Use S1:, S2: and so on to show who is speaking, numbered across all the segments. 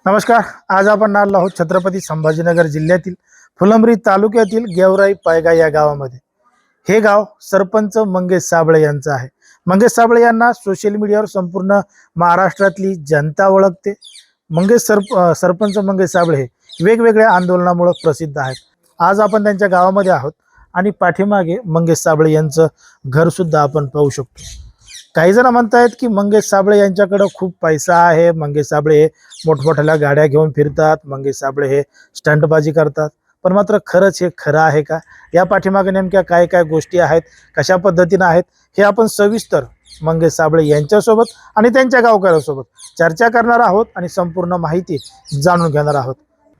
S1: नमस्कार. आज आपण आलो आहोत छत्रपती संभाजीनगर जिल्ह्यातील फुलंब्री तालुक्यातील गेवराई पायगा या गावामध्ये. हे गाव सरपंच मंगेश साबळे यांचं आहे. मंगेश साबळे यांना सोशल मीडियावर संपूर्ण महाराष्ट्रातली जनता ओळखते. सरपंच मंगेश साबळे हे वेगवेगळ्या आंदोलनामुळे प्रसिद्ध आहेत. आज आपण त्यांच्या गावामध्ये आहोत आणि पाठीमागे मंगेश साबळे यांचं घर सुद्धा आपण पाहू शकतो. काही जण म्हणतायत की मंगेश साबळे यांच्याकडे खूप पैसा आहे, मंगेश साबळे हे मोठमोठ्या गाड्या घेऊन फिरतात, मंगेश साबळे हे स्टंटबाजी करतात. पण मात्र खरंच हे खरं आहे का? या पाठीमागे नेमक्या काय काय गोष्टी आहेत, कशा पद्धतीने आहेत, हे आपण सविस्तर मंगेश साबळे यांच्यासोबत आणि त्यांच्या गावकऱ्यांसोबत चर्चा करणार आहोत आणि संपूर्ण माहिती जाणून घेणार आहोत.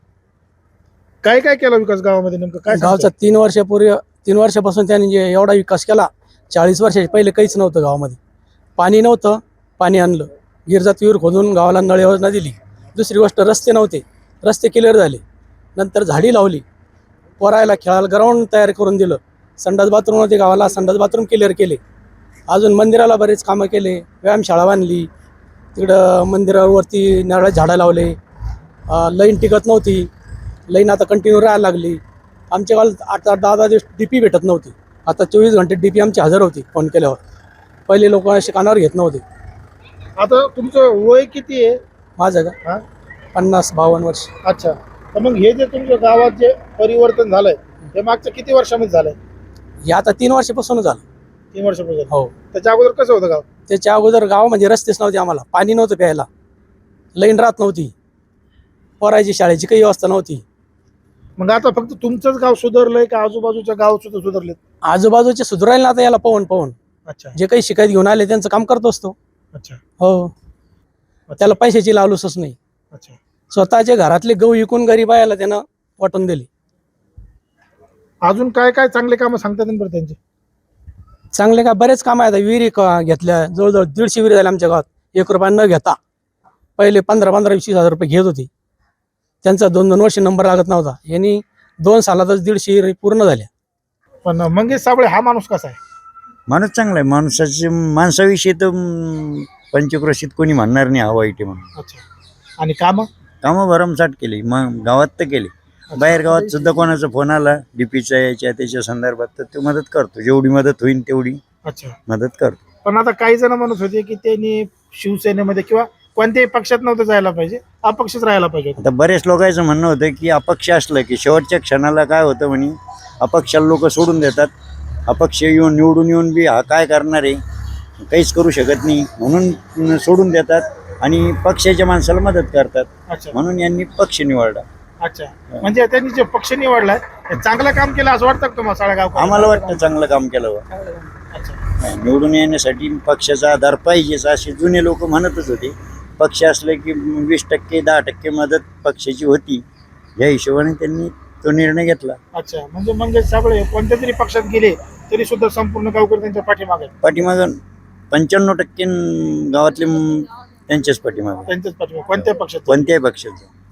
S1: काय काय केलं विकास गावामध्ये नेमकं काय
S2: गावचा 3 वर्षापासून त्यांनी जे एवढा विकास केला. 40 वर्षाच्या पहिले काहीच नव्हतं गावामध्ये. पाणी नव्हतं, पाणी आणलं. गिरजात विहीर खोदून गावाला नळ योजना दिली. दुसरी गोष्ट रस्ते नव्हते, रस्ते क्लिअर झाले. नंतर झाडी लावली. पोरायला खेळायला ग्राउंड तयार करून दिलं. संडास बाथरूम होते गावाला, संडास बाथरूम क्लिअर केले. अजून मंदिराला बरेच कामं केले. व्यायामशाळा बांधली. तिकडं मंदिरावरती नारळ झाडं लावले. लाईन टिकत नव्हती, लाईन आता कंटिन्यू राहायला लागली. आमच्या गावात 8-10 दिवस DP भेटत नव्हती. आता 24 घंटे DP आमची हजर होती फोन केल्यावर. पहिले लोक असे कानावर घेत नव्हते.
S1: आता तुमचं वय किती आहे?
S2: माझं का 50-52 वर्ष.
S1: अच्छा. तर मग हे जे तुमच्या गावात जे परिवर्तन झालंय हे मागच्या किती वर्षामध्ये झालंय?
S2: हे आता 3 वर्षापासून झालं.
S1: 3 वर्षापासून.
S2: हो.
S1: त्याच्या अगोदर कसं होतं गाव?
S2: त्याच्या अगोदर गाव म्हणजे रस्तेच नव्हते, आम्हाला पाणी नव्हतं प्यायला, लाईन राहत नव्हती, पोरायची शाळेची काही व्यवस्था नव्हती.
S1: मग आता फक्त तुमचंच गाव सुधारलंय का आजूबाजूच्या गाव सुद्धा सुधारलेत?
S2: आजूबाजूचे सुधारायला आता याला पाहून
S1: अच्छा
S2: जे काही शिकायत घेऊन आले त्यांचं काम करत असतो.
S1: अच्छा.
S2: हो. त्याला पैशाची लावलूसच नाही.
S1: अच्छा.
S2: स्वतःच्या घरातले गहू विकून गरीबायाला त्यानं वाटून दिली.
S1: अजून काय काय चांगले कामं सांगतात बरं त्यांचे?
S2: चांगले का बरेच काम आहेत. विहिरी घेतल्या, जवळजवळ 150 विहिरी झाल्या आमच्या गावात. 1 रुपया न घेता. पहिले 15-20 हजार रुपये घेत होती. त्यांचा 2-2 वर्ष नंबर लागत नव्हता. यांनी 2 सालातच 150 विहिरी पूर्ण झाल्या.
S1: पण मंगेश साबळे हा माणूस कसा आहे?
S3: माणूस चांगला आहे. माणसाविषयी तर पंचक्रोशीत कोणी म्हणणार नाही हा वाईट आहे म्हणून.
S1: अच्छा. आणि कामं
S3: भरमसाठ केली. मग गावात तर केली, बाहेर गावात सुद्धा कोणाचा फोन आला DPचा याच्या त्याच्या संदर्भात तर तो मदत करतो. जेवढी मदत होईल तेवढी
S1: अच्छा
S3: मदत करतो.
S1: पण आता काही जण म्हणत होते की त्यांनी शिवसेनेमध्ये किंवा कोणत्याही पक्षात नव्हतं जायला पाहिजे, अपक्षच राहायला पाहिजे.
S3: आता बरेच लोकांचं म्हणणं होतं की अपक्ष असलं की शेवटच्या क्षणाला काय होतं म्हणे, अपक्षाला लोक सोडून देतात. अपक्ष निवडून येऊन बी हा काय करणार आहे, काहीच करू शकत नाही म्हणून सोडून देतात आणि पक्षाच्या माणसाला मदत करतात.
S1: अच्छा.
S3: म्हणून यांनी पक्ष निवडला.
S1: अच्छा. म्हणजे त्यांनी जे पक्ष निवडलाय ते चांगलं काम केलं असं वाटतं का तुम्हाला सगळ्या गाव?
S3: आम्हाला वाटतं चांगलं काम केलं बा.
S1: अच्छा.
S3: निवडून येण्यासाठी पक्षाचा आधार पाहिजेच असे जुने लोक म्हणतच होते. पक्ष असले की 20%, 10% मदत पक्षाची होती. या हिशोबाने त्यांनी तो निर्णय घेतला.
S1: अच्छा. म्हणजे मंगेश साबळे कोणत्या तरी पक्षात गेले तरी सुद्धा संपूर्ण गावकरी त्यांच्या पाठीमागे?
S3: पाठीमागं 95% गावातले त्यांच्याच पाठीमागे.
S1: त्यांच्याच पाठीमागे कोणत्याही पक्षात?
S3: कोणत्याही पक्षाचं.